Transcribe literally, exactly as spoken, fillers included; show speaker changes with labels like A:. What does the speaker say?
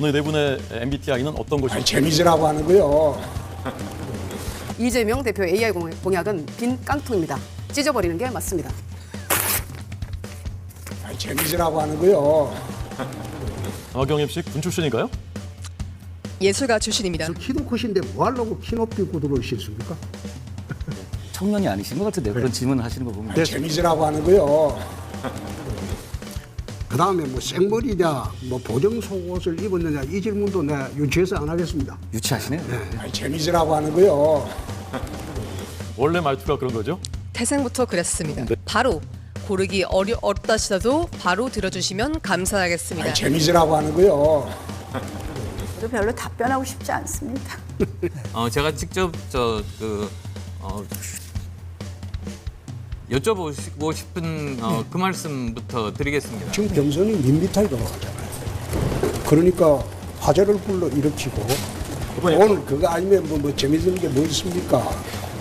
A: 오늘 네 분의 엠비티아이는 어떤 것이?
B: 아니, 재미지라고 하는 거요.
C: 이재명 대표 에이아이 공약은 빈 깡통입니다. 찢어버리는 게 맞습니다.
B: 아니, 재미지라고 하는 거요.
A: 박영임 씨 군 출신인가요?
D: 예술가 출신입니다.
E: 키도 크신데 뭐 하려고 키 높이 구두를 신습니까?
F: 청년이 아니신 것 같은데요. 그런 질문을 하시는 거 보면.
B: 아니, 재미지라고 하는 거요.
E: 그 다음에 뭐 생머리냐, 뭐 보정 속옷을 입었느냐 이 질문도 내가 유치해서 안 하겠습니다.
F: 유치하시네요.
B: 아니, 재미지라고 하는 거요.
A: 원래 말투가 그런 거죠?
D: 태생부터 그랬습니다. 바로 고르기 어려, 어렵다 하시더라도 바로 들어주시면 감사하겠습니다.
B: 아니, 재미지라고 하는 거요.
G: 저도 별로 답변하고 싶지 않습니다.
H: 어, 제가 직접 저그 어, 여쭤보고 싶은 어, 그 말씀부터 드리겠습니다.
B: 지금 경선이 밋밋하게 돌아가잖아요. 그러니까 화제를 불러 일으키고 오늘 그거 아니면 뭐, 뭐 재미있는 게 뭐 있습니까?